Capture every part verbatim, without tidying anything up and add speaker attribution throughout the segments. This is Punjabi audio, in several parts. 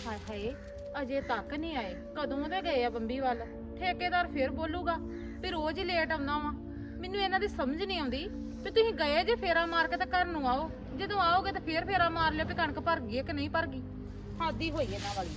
Speaker 1: ਹਾਏ ਹਾਏ ਅਜੇ ਤੱਕ ਨਹੀਂ ਆਏ। ਕਦੋਂ ਦੇ ਗਏ ਆ ਬੰਬੀ ਵੱਲ। ਠੇਕੇਦਾਰ ਫੇਰ ਬੋਲੂਗਾ ਵੀ ਰੋਜ਼ ਹੀ ਲੇਟ ਆਉਂਦਾ ਵਾ। ਮੈਨੂੰ ਇਹਨਾਂ ਦੀ ਸਮਝ ਨਹੀਂ ਆਉਂਦੀ ਵੀ ਤੁਸੀਂ ਗਏ ਜੇ ਫੇਰਾ ਮਾਰ ਕੇ ਤਾਂ ਘਰ ਨੂੰ ਆਓ, ਜਦੋਂ ਆਓਗੇ ਤਾਂ ਫੇਰ ਫੇਰਾ ਮਾਰ ਲਿਓ ਵੀ ਕਣਕ ਭਰ ਗਈ ਹੈ ਕਿ ਨਹੀਂ ਭਰ ਗਈ। ਹਾਦੀ ਹੋਈ ਇਹਨਾਂ ਵਾਲੀ।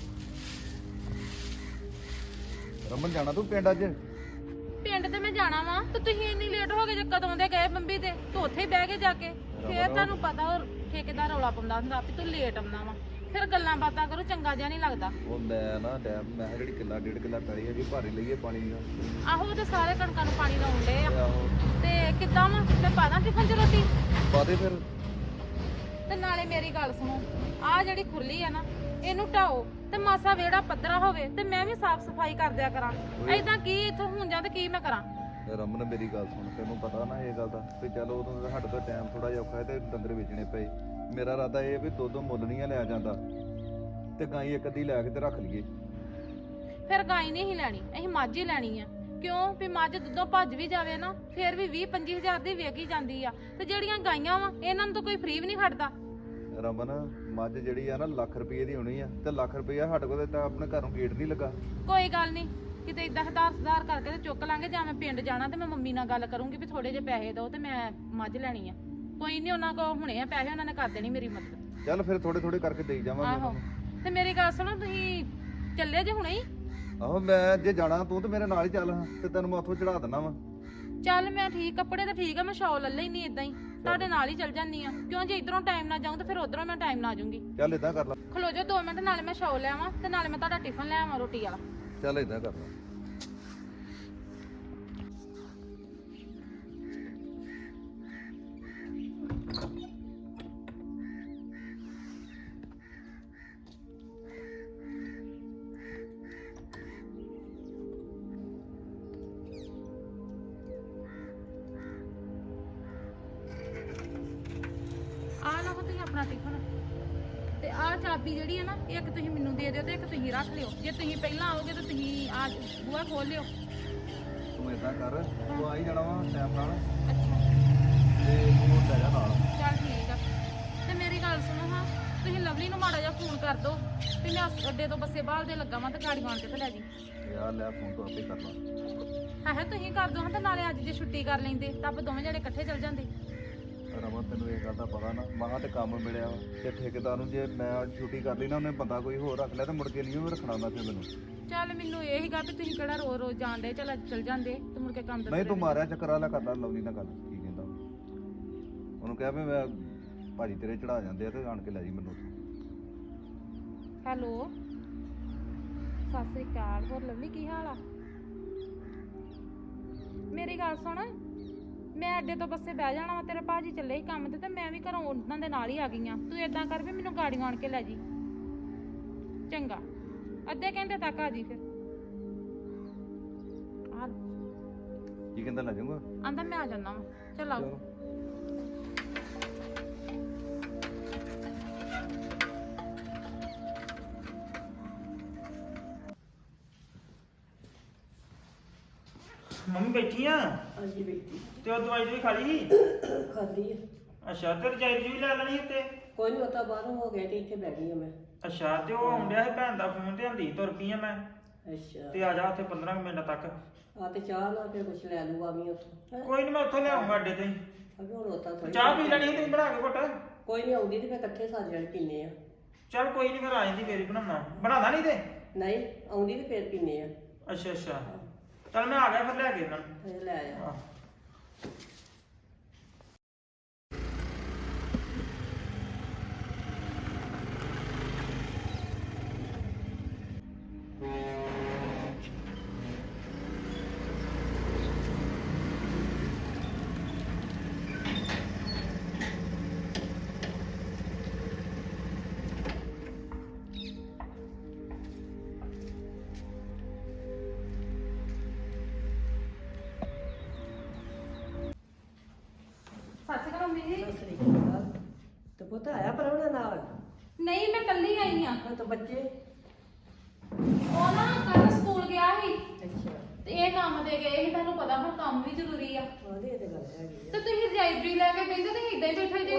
Speaker 2: ਰਮਨ ਜਾਣਾ ਤੂੰ ਪਿੰਡ ਅੱਜ?
Speaker 1: ਪਿੰਡ ਤੇ ਮੈਂ ਜਾਣਾ ਵਾ ਤੇ ਤੁਸੀਂ ਇੰਨੀ ਲੇਟ ਹੋ ਗਏ ਜੇ ਕਦੋਂ ਦੇ ਗਏ ਬੰਬੀ ਤੇ ਤੂੰ ਉੱਥੇ ਹੀ ਬਹਿ ਕੇ ਜਾ ਕੇ। ਫੇਰ ਤੁਹਾਨੂੰ ਪਤਾ ਉਹ ਠੇਕੇਦਾਰ ਰੌਲਾ ਪਾਉਂਦਾ ਹੁੰਦਾ ਵੀ ਤੂੰ ਲੇਟ ਆਉਂਦਾ ਵਾ, ਫਿਰ ਗੱਲਾਂ ਬਾਤਾਂ ਕਰੋ, ਚੰਗਾ ਜਿਹਾ ਨਹੀਂ ਲੱਗਦਾ।
Speaker 2: ਉਹ ਮੈਂ ਨਾ ਡੈਮ ਮੈਂ ਜਿਹੜੀ ਕਿੱਲਾ ਡੇਢ ਕਿੱਲਾ ਪੈਲੀ ਹੈਗੀ ਭਾਰੀ ਲਈਏ ਪਾਣੀ ਦਾ।
Speaker 1: ਆਹੋ ਤੇ ਸਾਰੇ ਕਣਕਾਂ ਨੂੰ ਪਾਣੀ ਲਾਉਣ ਡੇ ਆ
Speaker 2: ਆਹੋ
Speaker 1: ਤੇ ਕਿੱਦਾਂ ਵਾ ਮੈਂ ਪਾ ਦਾਂ ਟਿਫਨ ਚ ਰੋਟੀ?
Speaker 2: ਪਾ ਦੇ ਫਿਰ।
Speaker 1: ਤੇ ਨਾਲੇ ਮੇਰੀ ਗੱਲ ਸੁਣੋ, ਆਹ ਜਿਹੜੀ ਖੁਰਲੀ ਆ ਨਾ ਇਹਨੂੰ ਢਾਓ ਤੇ ਮਾਸਾ ਵਿਹੜਾ ਪੱਧਰਾ ਹੋਵੇ ਤੇ ਮੈਂ ਵੀ ਸਾਫ਼ ਸਫਾਈ ਕਰ ਦਿਆ ਕਰਾਂ। ਏਦਾਂ ਕੀ ਇੱਥੋਂ ਹੁਣ ਜਾਂ ਤੇ ਕੀ ਮੈਂ ਕਰਾਂ?
Speaker 2: ਰਮਨ ਮੇਰੀ ਗੱਲ ਸੁਣ, ਤੈਨੂੰ ਪਤਾ ਨਾ ਇਹ ਗੱਲ ਦਾ ਵੀ ਚਲੋ ਉਦੋਂ ਸਾਡੇ ਤੋਂ ਟਾਈਮ ਥੋੜਾ ਜਿਹਾ ਔਖਾ ਹੈ ਤੇ ਡੰਗਰ ਵੇਚਣੇ ਪਏ। ਮੇਰਾ ਇਰਾਦਾ ਇਹ ਵੀ ਦੁੱਧ ਮੁੱਲ ਨਹੀਂ ਲਿਆ ਜਾਂਦਾ ਤੇ ਗਾਈ ਇੱਕ ਅੱਧੀ ਲੈ ਕੇ ਤੇ ਰੱਖ ਲਈਏ।
Speaker 1: ਫਿਰ ਗਾਈ ਨਹੀਂ ਹੀ ਲੈਣੀ, ਅਸੀਂ ਮੱਝ ਹੀ ਲੈਣੀ ਆ। ਕਿਉਂ ਵੀ ਮੱਝ ਦੁੱਧੋਂ ਭੱਜ ਵੀ ਜਾਵੇ ਨਾ ਫਿਰ ਵੀ ਵੀਹ ਪੰਜੀ ਹਜ਼ਾਰ ਦੀ ਵੇਚ ਹੀ ਜਾਂਦੀ ਆ ਤੇ ਜਿਹੜੀਆਂ ਗਾਈਆਂ ਵਾ ਇਹਨਾਂ ਨੂੰ ਤਾਂ ਕੋਈ ਫ੍ਰੀ ਵੀ ਨਹੀਂ ਖੜਦਾ।
Speaker 2: ਰਮਨ ਮੱਝ ਜਿਹੜੀ ਆ ਨਾ ਲੱਖ ਰੁਪਏ ਦੀ ਹੋਣੀ ਆ ਤੇ ਲੱਖ ਰੁਪਇਆ ਸਾਡੇ ਕੋਲ ਤਾਂ ਆਪਣੇ ਘਰੋਂ ਗੇਟ ਨਹੀਂ ਲੱਗਾ।
Speaker 1: ਕੋਈ ਗੱਲ ਨਹੀਂ, ਕਿਤੇ ਇਦਾਂ ਹਦਾਰ ਸੁਧਾਰ ਕਰਕੇ ਤੇ ਚੁੱਕ ਲਾਂਗੇ। ਜਾਂ ਮੈਂ ਪਿੰਡ ਜਾਣਾ ਤੇ ਮੈਂ ਮੰਮੀ ਨਾਲ ਗੱਲ ਕਰੂੰਗੀ ਵੀ ਥੋੜੇ ਜਿਹੇ ਪੈਸੇ ਦਿਓ ਤੇ ਮੈਂ ਮੱਝ ਲੈਣੀ ਆ। ਕੋਈ ਨਹੀਂ, ਉਹਨਾਂ ਕੋਲ ਹੁਣੇ ਆ ਪੈਸੇ, ਉਹਨਾਂ ਨੇ ਕਰ ਦੇਣੀ ਮੇਰੀ ਮਦਦ।
Speaker 2: ਚੱਲ ਫਿਰ ਥੋੜੇ ਥੋੜੇ ਕਰਕੇ ਦੇਈ ਜਾਵਾਂਗੇ।
Speaker 1: ਆਹੋ ਤੇ ਮੇਰੀ ਗੱਲ ਸੁਣੋ, ਤੁਸੀਂ ਚੱਲੇ ਜੇ ਹੁਣੇ ਹੀ?
Speaker 2: ਆਹੋ ਮੈਂ ਜੇ ਜਾਣਾ ਤੂੰ ਤੇ ਮੇਰੇ ਨਾਲ ਹੀ ਚੱਲ ਤੇ ਤੈਨੂੰ ਮੈਂ ਉੱਥੋਂ ਚੜਾ ਦਿੰਦਾ ਵਾ।
Speaker 1: ਚੱਲ ਮੈਂ ਠੀਕ, ਕੱਪੜੇ ਤਾਂ ਠੀਕ ਆ, ਮੈਂ ਸ਼ਾਲ ਲੈ ਲੈਣੀ ਇਦਾਂ ਹੀ ਤੁਹਾਡੇ ਨਾਲ ਹੀ ਚੱਲ ਜਾਂਦੀ ਆ। ਕਿਉਂ ਜੇ ਇਧਰੋਂ ਟਾਈਮ ਨਾਲ ਜਾਊਂ ਤਾਂ ਫਿਰ ਉਧਰੋਂ ਮੈਂ ਟਾਈਮ ਨਾਲ ਆ ਜਾਊਂਗੀ।
Speaker 2: ਚੱਲ ਇਦਾਂ ਕਰ ਲਾ।
Speaker 1: ਖਲੋ ਜਾ ਦੋ ਮਿੰਟ, ਨਾਲੇ ਮੈਂ ਸ਼ਾਲ ਲੈ ਆਵਾਂ ਤੇ ਨਾਲੇ ਮੈਂ ਤੁਹਾਡਾ ਟਿਫਨ ਲੈ ਆਵਾਂ ਰੋਟੀ ਵਾਲਾ।
Speaker 2: ਚੱਲ ਇਦਾਂ ਕਰ ਲਾ।
Speaker 1: ਆ ਲਓ ਤੁਸੀਂ ਆਪਣਾ ਟਿਫਨ ਤੇ ਆਹ ਚਾਬੀ ਜਿਹੜੀ ਹੈ ਨਾ ਇੱਕ ਤੁਸੀਂ ਮੈਨੂੰ ਦੇ ਦਿਓ ਤੇ ਇੱਕ ਤੁਸੀਂ ਰੱਖ ਲਿਓ। ਜੇ ਤੁਸੀਂ ਪਹਿਲਾਂ ਆਓਗੇ ਤਾਂ ਤੁਸੀਂ ਆ ਬੂਹਾ ਖੋਲ ਲਿਓ।
Speaker 2: ਤੂੰ ਇਦਾਂ ਕਰ, ਤੂੰ ਆ ਹੀ ਜਾਣਾ ਵਾ ਟਾਈਮ ਨਾਲ
Speaker 1: ਅੱਛਾ
Speaker 2: ਤੇ ਤੂੰ ਲੈ ਜਾ ਨਾਲ।
Speaker 1: ਚੱਲ ਠੀਕ ਆ। ਤੇ ਮੇਰੀ ਗੱਲ ਸੁਣੋ ਹਾਂ, ਤੁਸੀਂ ਲਵਲੀ ਨੂੰ ਮਾੜਾ ਜਿਹਾ ਫੋਨ ਕਰ ਦਿਓ ਵੀ ਮੈਂ ਅੱਡੇ ਤੋਂ ਬੱਸੇ ਬਾਹਰ ਦੇ ਲੱਗਾ ਵਾਂ ਤੇ ਗਾੜੀ ਆਣ ਕੇ ਤੇ ਲੈ ਜੀ।
Speaker 2: ਯਾਰ ਲੈ ਫੋਨ ਤੋਂ ਆਪੇ ਕਰ ਲਾ।
Speaker 1: ਹਾਂ ਹੈ ਤੁਸੀਂ ਕਰ ਦਿਓ ਹਾਂ, ਤੇ ਨਾਲੇ ਅੱਜ ਜੇ ਛੁੱਟੀ ਕਰ ਲੈਂਦੇ ਤਾਂ ਆਪਾਂ ਦੋਵੇਂ ਜਣੇ ਇਕੱਠੇ ਚੱਲ ਜਾਂਦੇ।
Speaker 2: ਰਮਨ ਤੈਨੂੰ ਇਹ ਗੱਲ ਦਾ ਪਤਾ ਨਾ, ਮਹਾਂ ਤੇ ਕੰਮ ਮਿਲਿਆ ਵਾ ਤੇ ਠੇਕੇਦਾਰ ਨੂੰ ਜੇ ਮੈਂ ਛੁੱਟੀ ਕਰ ਲਈ ਨਾ ਉਹਨੇ ਬੰਦਾ ਕੋਈ ਹੋਰ ਰੱਖ ਲਿਆ ਤੇ ਮੁੜ ਕੇ ਨਹੀਂ ਉਹ ਰੱਖਣਾ ਹੁੰਦਾ ਫਿਰ ਮੈਨੂੰ।
Speaker 1: ਚੱਲ ਮੈਨੂੰ ਇਹ ਹੀਗਾ ਵੀ ਤੁਸੀਂ ਕਿਹੜਾ ਰੋਜ਼ ਰੋਜ਼ ਜਾਂਦੇ, ਚੱਲ ਅੱਜ ਚੱਲ ਜਾਂਦੇ ਤੇ ਮੁੜ ਕੇ ਕੰਮ ਦਾ
Speaker 2: ਨਹੀਂ ਤੂੰ ਮਾਰਿਆ ਚੱਕਰ ਵਾਲਾ ਕਰਦਾ ਲਵਲੀ ਨਾਲ ਗੱਲ। ਕੀ ਕਹਿੰਦਾ ਉਹਨੂੰ ਕਿਹਾ ਵੀ ਮੈਂ ਭਾਜੀ ਤੇਰੇ ਚੜਾ ਜਾਂਦੇ ਆ ਤੇ ਆਣ ਕੇ ਲੈ ਜੀ ਮੈਨੂੰ।
Speaker 1: ਹੈਲੋ ਸਤਿ ਸ੍ਰੀ ਅਕਾਲ। ਹੋਰ ਲਵਲੀ ਕੀ ਹਾਲ ਆ? ਮੇਰੀ ਗੱਲ ਸੁਣ, ਮੈਂ ਅੱਡੇ ਤੋਂ ਬੱਸੇ ਬਹਿ ਜਾਣਾ ਵਾ, ਤੇਰੇ ਭਾਜੀ ਚੱਲੇ ਸੀ ਕੰਮ ਤੇ ਤੇ ਮੈਂ ਵੀ ਘਰੋਂ ਉਹਨਾਂ ਦੇ ਨਾਲ ਹੀ ਆ ਗਈ ਆ। ਤੂੰ ਏਦਾਂ ਕਰ ਵੀ ਮੈਨੂੰ ਗਾੜੀ ਆਣ ਕੇ ਲੈ ਜੀ। ਚੰਗਾ, ਅੱਧੇ ਘੰਟੇ ਤੱਕ ਆ ਜੀ। ਫਿਰ ਆ
Speaker 2: ਕੀ ਕਹਿੰਦਾ ਲੈ ਜਾਊਗਾ?
Speaker 1: ਆਂਦਾ ਮੈਂ ਆ ਜਾਣਾ ਵਾ। ਚੱਲ ਆਓ।
Speaker 3: ਮੰਮੀ ਬੈਠੀ ਆ?
Speaker 4: ਹਾਂਜੀ ਬੇਟੀ
Speaker 3: ਤੇ ਉਹ ਦਵਾਈ ਵੀ ਖਾ ਲਈ?
Speaker 4: ਖਾਲੀ ਆ।
Speaker 3: ਅੱਛਾ, ਤੇ ਰਜਾਈ ਵੀ ਲੈ ਲੈਣੀ ਉੱਤੇ?
Speaker 4: ਕੋਈ ਨਹੀਂ, ਉਤਾ ਬਾਹਰੋਂ ਹੋ ਗਿਆ ਤੇ ਇੱਥੇ ਬਹਿ ਗਈ ਆ ਮੈਂ।
Speaker 3: ਅੱਛਾ, ਤੇ ਉਹ ਆਉਂਦਿਆ ਸੀ ਭੈਣ ਦਾ ਫੋਨ ਤੇ ਹੰਦੀ ਤੁਰ ਪਈ ਆ ਮੈਂ।
Speaker 4: ਅੱਛਾ
Speaker 3: ਤੇ ਆ ਜਾ ਉੱਥੇ ਪੰਦਰਾਂ ਕੁ ਮਿੰਟ ਤੱਕ।
Speaker 4: ਆ ਤੇ ਚਾਹ ਲਾ ਕੇ ਕੁਛ ਲੈ ਲੂ ਆਵੀਂ ਉੱਥੋਂ। ਹੈਂ?
Speaker 3: ਕੋਈ ਨਹੀਂ, ਮੈਂ ਉੱਥੋਂ ਲਿਆਉਂਗਾ ਅੱਡੇ ਤੇ ਹੀ।
Speaker 4: ਅਗੇ ਹੁਣ ਉਤਾ ਥੋੜੀ
Speaker 3: ਚਾਹ ਪੀ ਲੈਣੀ ਸੀ ਤੁਸੀਂ ਬਣਾ ਕੇ ਘੁੱਟ?
Speaker 4: ਕੋਈ ਨਹੀਂ, ਆਉਂਦੀ ਤੇ ਫਿਰ ਇਕੱਠੇ ਸਾਰੇ ਜਣੇ ਪੀਨੇ ਆ।
Speaker 3: ਚੱਲ ਕੋਈ ਨਹੀਂ, ਫਿਰ ਆ ਜਾਂਦੀ ਫੇਰ ਹੀ ਬਣਾਉਣਾ। ਬਣਾਦਾ ਨਹੀਂ ਤੇ?
Speaker 4: ਨਹੀਂ ਆਉਂਦੀ ਤੇ ਫਿਰ ਪੀਨੇ ਆ।
Speaker 3: ਅੱਛਾ ਅੱਛਾ, ਚੱਲ ਮੈਂ ਆ ਗਿਆ ਫਿਰ ਲੈ ਕੇ ਇਹਨਾਂ ਨੂੰ।
Speaker 4: ਫਿਰ ਲੈ ਆ।
Speaker 3: ਆਹ।
Speaker 1: ਸਤਿ ਸ਼੍ਰੀ ਅਕਾਲ ਮੰਮੀ ਜੀ।
Speaker 4: ਸਤਿ ਸ੍ਰੀ ਅਕਾਲ। ਤੇ ਪੁੱਤ ਆਇਆ ਪਰਵਣਾ ਨਾਲ?
Speaker 1: ਨਹੀਂ ਮੈਂ ਕੱਲੀ ਆਈ ਆ।
Speaker 4: ਹਾਂ ਤਾਂ ਬੱਚੇ?
Speaker 1: ਉਹ ਨਾ ਕੱਲ ਸਕੂਲ ਗਿਆ ਸੀ
Speaker 4: ਅੱਛਾ।
Speaker 1: ਤੇ ਇਹ ਕੰਮ ਦੇ ਗਏ ਸੀ। ਤੁਹਾਨੂੰ ਪਤਾ ਹੁਣ ਕੰਮ ਵੀ ਜ਼ਰੂਰੀ ਆ।
Speaker 4: ਉਹਦੇ ਤੇ ਗੱਲ ਹੈਗੀ ਆ।
Speaker 1: ਤੇ ਤੁਸੀਂ ਰਜਾਈ ਲੈ ਕੇ ਬੈਠੇ ਤੁਸੀਂ ਇਦਾਂ ਹੀ ਬੈਠੇ ਜੇ।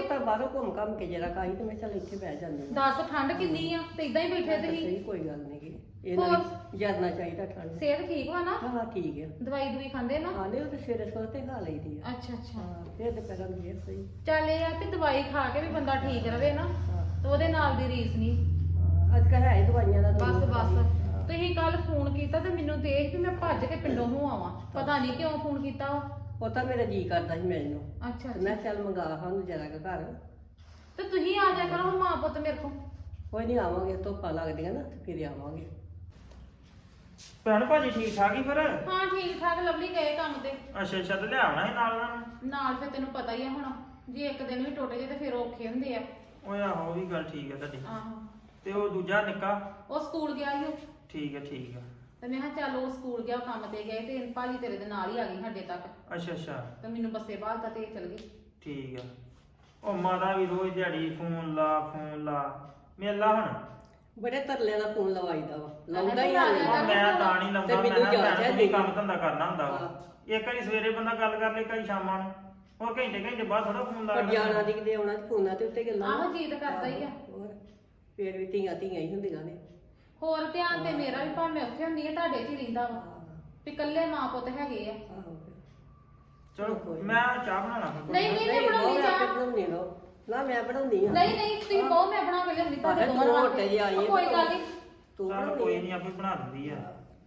Speaker 4: ਪੁੱਤਾਂ ਬਾਹਰੋਂ ਘੁੰਮ ਘੰਮ ਕੇ ਜਰਾ ਕਾਈ ਤੇ ਮੈਂ ਚੱਲ ਇੱਥੇ ਬਹਿ ਜਾਂਦੀ ਹਾਂ।
Speaker 1: ਦੱਸ ਠੰਡ ਕਿੰਨੀ ਆ ਤੇ ਇਦਾਂ ਹੀ ਬੈਠੇ ਤੁਸੀਂ
Speaker 4: ਸਹੀ ਕੋਈ ਗੱਲ ਨਹੀਂ ਗੀ ਇਹਨਾਂ ਨੂੰ ਜਰਨਾ ਚਾਹੀਦਾ ਠੰਡ
Speaker 1: ਸਿਹਤ ਠੀਕ ਵਾ ਨਾ
Speaker 4: ਹਾਂ ਠੀਕ ਹੈ
Speaker 1: ਦਵਾਈ ਦਵਾਈ ਖਾਂਦੇ ਨਾ
Speaker 4: ਹਾਂ ਨਹੀਂ ਉਹ ਤੇ ਸਵੇਰੇ ਸਵੇਰੇ ਤੇ ਖਾ ਲਈਦੀ ਆ
Speaker 1: ਅੱਛਾ ਅੱਛਾ
Speaker 4: ਹਾਂ ਫਿਰ ਦੁਪਹਿਰਾਂ ਨੂੰ ਫੇਰ ਸਹੀ
Speaker 1: ਚੱਲ ਇਹ ਆ ਵੀ ਦਵਾਈ ਖਾ ਕੇ ਵੀ ਬੰਦਾ ਠੀਕ ਰਵੇ ਨਾ
Speaker 4: ਹਾਂ
Speaker 1: ਤੇ ਉਹਦੇ ਨਾਲ ਦੀ ਰੀਸ ਨਹੀਂ
Speaker 4: ਹਾਂ, ਅੱਜ ਕੱਲ੍ਹ ਹੈ ਹੀ ਦਵਾਈਆਂ ਦਾ
Speaker 1: ਬਸ
Speaker 4: ਦੁਨੀਆ
Speaker 1: ਬਸ
Speaker 4: ਹਾਂ।
Speaker 1: ਤੁਸੀਂ ਕੱਲ ਫੋਨ ਕੀਤਾ ਤੇ ਮੈਨੂੰ ਦੇਖ ਵੀ ਮੈਂ ਭੱਜ ਕੇ ਪਿੰਡੋਂ ਨੂੰ ਆਵਾਂ ਪਤਾ ਨਹੀਂ ਕਿਉਂ ਫੋਨ ਕੀਤਾ ਵਾ
Speaker 4: ਉਹ ਤਾਂ ਮੇਰਾ ਜੀ ਕਰਦਾ ਸੀ ਮੈਨੂੰ
Speaker 1: ਅੱਛਾ
Speaker 4: ਤੇ ਮੈਂ ਚੱਲ ਮੰਗਾ ਸਾਨੂੰ ਜਰਾ ਕੁ ਘਰ
Speaker 1: ਤੇ ਤੁਸੀਂ ਆ ਜਾ ਕਰੋ ਮਾਂ ਪੁੱਤ ਮੇਰੇ ਕੋਲ
Speaker 4: ਕੋਈ ਨਹੀਂ ਆਵਾਂਗੇ ਧੁੱਪਾਂ ਲੱਗਦੀਆਂ ਨਾ ਤੇ ਫਿਰ ਆਵਾਂਗੇ
Speaker 3: ਭੈਣ ਭਾਜੀ ਠੀਕ ਠਾਕ ਹੀ ਫਿਰ
Speaker 1: ਹਾਂ ਠੀਕ ਠਾਕ ਲਵਲੀ ਗਏ ਕੰਮ ਤੇ
Speaker 3: ਅੱਛਾ ਅੱਛਾ ਤੇ ਲਿਆਉਣਾ ਸੀ ਨਾਲ ਉਹਨਾਂ ਨੂੰ
Speaker 1: ਨਾਲ ਫਿਰ ਤੈਨੂੰ ਪਤਾ ਹੀ ਆ ਹੁਣ ਜੇ ਇੱਕ ਦਿਨ ਵੀ ਟੁੱਟ ਜੇ ਤੇ ਫਿਰ ਔਖੇ ਹੁੰਦੇ ਆ
Speaker 3: ਓਏ ਆਹੋ ਉਹ ਵੀ ਗੱਲ ਠੀਕ ਹੈ ਤੁਹਾਡੀ
Speaker 1: ਆਹੋ
Speaker 3: ਤੇ ਉਹ ਦੂਜਾ ਨਿੱਕਾ
Speaker 1: ਉਹ ਸਕੂਲ ਗਿਆ ਸੀ ਉਹ
Speaker 3: ਠੀਕ ਹੈ ਠੀਕ ਹੈ
Speaker 1: ਤੇ ਮੈਂ ਕਿਹਾ ਚੱਲ ਉਹ ਸਕੂਲ ਗਿਆ ਕੰਮ ਤੇ ਗਏ ਤੇ ਭਾਜੀ ਤੇਰੇ ਦੇ ਨਾਲ ਹੀ ਆ ਗਈ ਸਾਡੇ ਤੱਕ
Speaker 3: ਅੱਛਾ ਅੱਛਾ
Speaker 1: ਤੇ ਮੈਨੂੰ ਬੱਸੇ ਬਾਹਰ ਤੇ ਚਲ ਗਈ
Speaker 3: ਠੀਕ ਹੈ ਉਹ ਮਾਤਾ ਵੀ ਰੋਜ਼ ਦਿਹਾੜੀ ਫੋਨ ਲਾ ਫੋਨ ਲਾ ਮਿਲ ਲਾ ਹੁਣ
Speaker 4: ਬੜੇ ਤਰਲੇ ਨਾਲ ਫੋਨ ਲਵਾਈਦਾ ਵਾ ਲਾਉਂਦਾ ਹੀ
Speaker 1: ਆ
Speaker 4: ਆ
Speaker 1: ਜਾ।
Speaker 3: ਉਹ ਮੈਂ ਤਾਂ ਨਹੀਂ ਲਾਉਂਦਾ
Speaker 4: ਤੇ
Speaker 3: ਮੈਂ
Speaker 4: ਮੈਨੂੰ
Speaker 3: ਕਿਹਾ
Speaker 4: ਜਾਚ
Speaker 3: ਭੈਣ
Speaker 4: ਹੈ
Speaker 3: ਤੂੰ ਵੀ
Speaker 4: ਜੀ।
Speaker 3: ਕੰਮ ਧੰਦਾ ਕਰਨਾ ਹੁੰਦਾ ਵਾ।
Speaker 4: ਹਾਂ।
Speaker 3: ਇੱਕ ਵਾਰੀ ਸਵੇਰੇ ਬੰਦਾ ਗੱਲ ਕਰ ਲੇ ਕਈ ਸ਼ਾਮਾਂ ਨੂੰ ਹੋਰ ਘੰਟੇ ਘੰਟੇ ਬਾਅਦ ਥੋੜਾ ਫੋਨ ਲਾ
Speaker 4: ਪਰ ਜਾਣਾ ਦੀ ਕਿਤੇ ਆਉਣਾ ਤੇ ਫੋਨਾਂ ਤੇ ਉੱਤੇ ਗੱਲਾਂ
Speaker 1: ਆਹੋ ਜੀ ਤਾਂ ਕਰਦਾ ਹੀ ਆ
Speaker 4: ਹੋਰ ਫੇਰ ਵੀ ਧੀਆਂ ਧੀਆਂ ਹੀ ਹੁੰਦੀਆਂ ਨੇ
Speaker 1: ਹੋਰ ਧਿਆਨ ਤੇ ਮੇਰਾ ਵੀ ਭਾਵੇਂ ਉੱਥੇ ਹੁੰਦੀ ਹੈ ਤੁਹਾਡੇ 'ਚ ਹੀ ਰਹਿੰਦਾ ਵਾ
Speaker 4: ਹਾਂ,
Speaker 1: ਵੀ ਇਕੱਲੇ ਮਾਂ ਪੁੱਤ ਹੈਗੇ ਆ
Speaker 4: ਆਹੋ
Speaker 3: ਚਲੋ ਮੈਂ ਚਾਹ ਬਣਾਉਣਾ ਫਿਰ।
Speaker 1: ਨਹੀਂ ਨਹੀਂ ਮੈਂ
Speaker 4: ਨਹੀਂ
Speaker 1: ਬਣਾਉਣੀ
Speaker 4: ਬਹੁਤ ਆਪੇ
Speaker 1: ਚਾਹ
Speaker 4: ਬਣਾਉਣੀ ਲੋ ਨਾ ਮੈਂ ਬਣਾਉਣੀ ਆ
Speaker 1: ਨਹੀਂ ਨਹੀਂ ਤੁਸੀਂ ਬਹੁਤ ਮੈਂ ਬਣਾ ਕੇ ਲਿਆਉਂਦੀ ਤੁਹਾਡੇ
Speaker 4: ਭਾਵੇਂ
Speaker 1: ਦੋਵਾਂ
Speaker 4: ਤੂੰ
Speaker 1: ਵਾਸਤੇ
Speaker 4: ਮੋਟੇ ਜਿਹੇ ਆਈ
Speaker 1: ਉਹ
Speaker 4: ਹੈ
Speaker 1: ਕੋਈ
Speaker 4: ਤੇ
Speaker 1: ਗੱਲ ਨਹੀਂ
Speaker 4: ਤੂੰ
Speaker 3: ਚੱਲ
Speaker 4: ਬਣਾਉਣੀ
Speaker 3: ਕੋਈ
Speaker 4: ਆ।
Speaker 3: ਨਹੀਂ ਆਪੇ ਬਣਾ ਦਿੰਦੀ ਆ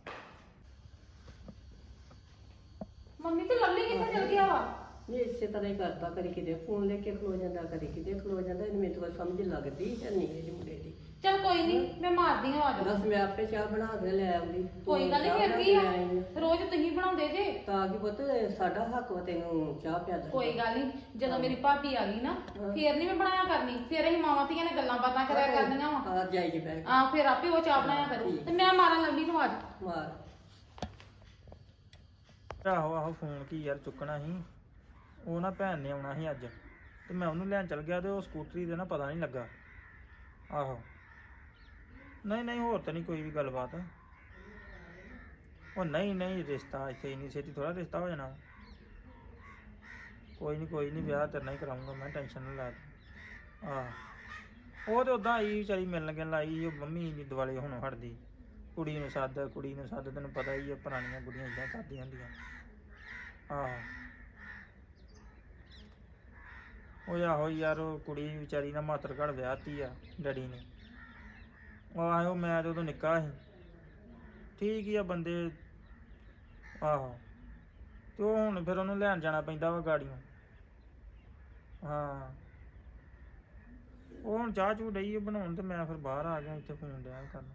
Speaker 1: ਮੰਮੀ ਤੇ ਲਵਲੀ ਕਿੱਥੇ ਚਲ ਗਿਆ ਵਾ
Speaker 4: ਨਹੀਂ ਇਸੇ ਤਰ੍ਹਾਂ ਹੀ ਕਰਦਾ ਕਦੀ ਕਿਤੇ ਫੋਨ ਲੈ ਕੇ ਖਲੋ ਜਾਂਦਾ ਕਦੀ ਕਿਤੇ ਖਲੋ ਜਾਂਦਾ ਇਹਨੂੰ ਮੈਨੂੰ ਤਾਂ ਸਮਝ ਲੱਗਦੀ ਹੈ ਨਹੀਂ ਇਹਦੀ ਮੁੰਡੇ ਦੀ
Speaker 1: ਚਲ ਕੋਈ ਨਹੀਂ ਮੈਂ ਮਾਰਦੀ ਹਾਂ ਆਵਾਜ਼
Speaker 4: ਬਸ ਮੈਂ ਆਪੇ ਚਾਹ ਬਣਾ ਕੇ ਲੈ ਆਉਂਦੀ ਤੂੰ
Speaker 1: ਕੋਈ ਗੱਲ ਨਹੀਂ
Speaker 4: ਚਾਹ
Speaker 1: ਫਿਰ
Speaker 4: ਬਣਾ
Speaker 1: ਕੀ
Speaker 4: ਕੇ
Speaker 1: ਆ
Speaker 4: ਲੈ ਆਈ ਆ।
Speaker 1: ਰੋਜ਼ ਤੁਸੀਂ ਬਣਾਉਂਦੇ ਜੇ
Speaker 4: ਤਾਂ ਕਿ ਪੁੱਤ ਸਾਡਾ ਹੱਕ ਵਾ ਤੈਨੂੰ ਚਾਹ ਪਿਆ ਦੇ
Speaker 1: ਕੋਈ ਗੱਲ ਨਹੀਂ ਜਦੋਂ ਮੇਰੀ ਭਾਬੀ ਆ ਗਈ ਨਾ ਫੇਰ ਨਹੀਂ ਮੈਂ ਬਣਾਇਆ ਕਰਨੀ ਫੇਰ ਅਸੀਂ ਮਾਵਾਂ ਧੀਆਂ ਨੇ ਗੱਲਾਂ ਬਾਤਾਂ ਕਰਿਆ ਕਰਨੀਆਂ ਵਾ
Speaker 4: ਆ ਜਾਈ ਜੀ ਬੈਠ
Speaker 1: ਆ ਫੇਰ ਆਪੇ ਉਹ ਚਾਹ ਬਣਾਇਆ ਕਰੂ ਤੇ ਮੈਂ ਮਾਰਾਂ ਲਵਲੀ ਨੂੰ ਆਵਾਜ਼
Speaker 4: ਮਾਰ
Speaker 3: ਆਹੋ ਆਹੋ ਫੋਨ ਕੀ ਯਾਰ ਚੁੱਕਣਾ ਸੀ ਉਹ ਨਾ ਭੈਣ ਨੇ ਆਉਣਾ ਸੀ ਅੱਜ ਤੇ ਮੈਂ ਉਹਨੂੰ ਲੈਣ ਚਲ ਗਿਆ ਤੇ ਉਹ ਸਕੂਟਰੀ ਦੇ ਨਾ ਪਤਾ ਨਹੀਂ ਲੱਗਾ ਆਹੋ ਨਹੀਂ ਨਹੀਂ ਹੋਰ ਤਾਂ ਨਹੀਂ ਕੋਈ ਵੀ ਗੱਲਬਾਤ ਉਹ ਨਹੀਂ ਨਹੀਂ ਰਿਸ਼ਤਾ ਇੱਥੇ ਇੰਨੀ ਛੇਤੀ ਥੋੜਾ ਰਿਸ਼ਤਾ ਹੋ ਜਾਣਾ ਕੋਈ ਨਹੀਂ ਕੋਈ ਨਹੀਂ ਵਿਆਹ ਤੇਰੇ ਨਾਲ ਹੀ ਕਰਾਉਂਗਾ ਮੈਂ ਟੈਨਸ਼ਨ ਨਾ ਲੈ ਤੂੰ ਆਹ ਉਹ ਤੇ ਉਦਾਂ ਆਈ ਵਿਚਾਰੀ ਮਿਲਣ ਗਿਲਣ ਆਈ ਉਹ ਮੰਮੀ ਦੀ ਦਿਵਾਲੇ ਹੁਣ ਹਟਦੀ ਕੁੜੀ ਨੂੰ ਸੱਦ ਕੁੜੀ ਨੂੰ ਸੱਦ ਤੈਨੂੰ ਪਤਾ ਹੀ ਆ ਪੁਰਾਣੀਆਂ ਕੁੜੀਆਂ ਇਦਾਂ ਕਰਦੀਆਂ ਹੁੰਦੀਆਂ ਆਹ ਉਹ ਆਹੋ ਯਾਰ ਉਹ ਕੁੜੀ ਵਿਚਾਰੀ ਨਾ ਮਾਤਰ ਘੜ ਵਿਆਹਤੀ ਆ ਡੈਡੀ ਨੇ ਉਹ ਆਹੋ ਮੈਂ ਤੇ ਉਦੋਂ ਨਿੱਕਾ ਸੀ ਠੀਕ ਹੀ ਆ ਬੰਦੇ ਆਹੋ ਤੇ ਉਹ ਹੁਣ ਫਿਰ ਉਹਨੂੰ ਲੈਣ ਜਾਣਾ ਪੈਂਦਾ ਵਾ ਗਾੜੀਆਂ ਹਾਂ ਉਹ ਹੁਣ ਚਾਹ ਚੂ ਡਈ ਬਣਾਉਣ ਤੇ ਮੈਂ ਫਿਰ ਬਾਹਰ ਆ ਗਿਆ ਇੱਥੇ ਫੋਨ ਡਿਆ ਕਰਨ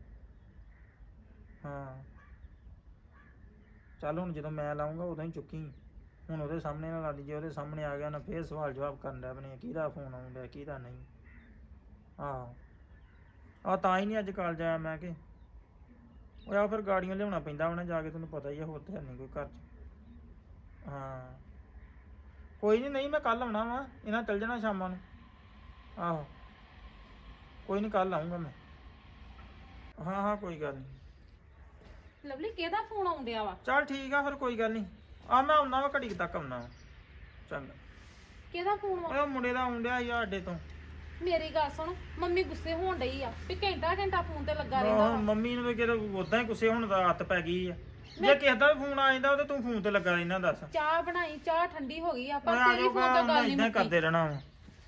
Speaker 3: ਹਾਂ ਚੱਲ ਹੁਣ ਜਦੋਂ ਮੈਂ ਲਾਉਂਗਾ ਉਦੋਂ ਹੀ ਚੁੱਕੀ ਹੁਣ ਉਹਦੇ ਸਾਹਮਣੇ ਨਾ ਲਾ ਦੀ ਜੇ ਉਹਦੇ ਸਾਹਮਣੇ ਆ ਗਿਆ ਨਾ ਫੇਰ ਸਵਾਲ ਜਵਾਬ ਕਰਨ ਦਾ ਬਣੇ ਕਿਹਦਾ ਫੋਨ ਆਉਂਦਾ ਕਿਹਦਾ ਨਹੀਂ ਆਹੋ ਆ ਤਾਂ ਹੀ ਨਹੀਂ ਅੱਜ ਕਾਲਜ ਆਇਆ ਮੈਂ ਕਿ ਉਹ ਆ ਫਿਰ ਗਾੜੀਆਂ ਲਿਆਉਣਾ ਪੈਂਦਾ ਉਹਨੇ ਜਾ ਕੇ ਤੈਨੂੰ ਪਤਾ ਹੀ ਆ ਹੋਰ ਤੇ ਨਹੀਂ ਕੋਈ ਘਰ 'ਚ ਹਾਂ ਕੋਈ ਨਹੀਂ ਨਹੀਂ ਮੈਂ ਕੱਲ ਆਉਣਾ ਵਾ ਇਹਨਾਂ ਚੱਲ ਜਾਣਾ ਸ਼ਾਮਾਂ ਨੂੰ ਆਹੋ ਕੋਈ ਨਹੀਂ ਕੱਲ ਆਉਂਗਾ ਮੈਂ ਹਾਂ ਹਾਂ ਕੋਈ ਗੱਲ ਨਹੀਂ
Speaker 1: ਲਵਲੀ ਕਿਹਦਾ ਫੋਨ ਆਉਂਦਿਆ ਵਾ
Speaker 3: ਚੱਲ ਠੀਕ ਆ ਫਿਰ ਕੋਈ ਗੱਲ ਨਹੀਂ ਆ ਮੈਂ ਆਉਣਾ ਵਾ ਘੜੀ ਕੁ ਤੱਕ ਆਉਣਾ ਵਾ ਚੰਗਾ
Speaker 1: ਕਿਹਦਾ ਫੋਨ ਵਾ
Speaker 3: ਉਹ ਮੁੰਡੇ ਦਾ ਆਉਂਦਿਆ ਸੀ ਸਾਡੇ ਤੋਂ
Speaker 1: ਮੇਰੀ ਗੱਲ ਸੁਣ ਮੰਮੀ ਗੁੱਸੇ ਹੋਣ ਡਈ ਆ ਵੀ ਘੰਟਾ ਘੰਟਾ ਫੋਨ ਤੇ ਲੱਗਾ ਰਹਿੰਦਾ
Speaker 3: ਆਹੋ,
Speaker 1: ਵਾ
Speaker 3: ਮੰਮੀ ਨੂੰ ਵੀ ਕਿਤੇ ਉਦਾਂ ਹੀ ਗੁੱਸੇ ਹੋਣ ਦਾ ਹੱਥ ਪੈ ਗਈ ਆ ਜੇ ਕਿਸੇ ਦਾ ਵੀ ਫੋਨ ਆ ਜਾਂਦਾ ਉਹ ਤੇ ਤੂੰ ਫੋਨ ਤੇ ਲੱਗਾ ਰਹਿਣਾ ਦੱਸ
Speaker 1: ਚਾਹ ਬਣਾਈ ਚਾਹ ਠੰਡੀ ਹੋ ਗਈ ਆ ਪਰ
Speaker 3: ਆ
Speaker 1: ਤੇਰੀ ਫੋਨ ਤੋਂ ਗੱਲ ਨਹੀਂ
Speaker 3: ਇਦਾਂ
Speaker 1: ਮੁੱਕੀ
Speaker 3: ਕਰਦੇ ਰਹਿਣਾ ਵਾ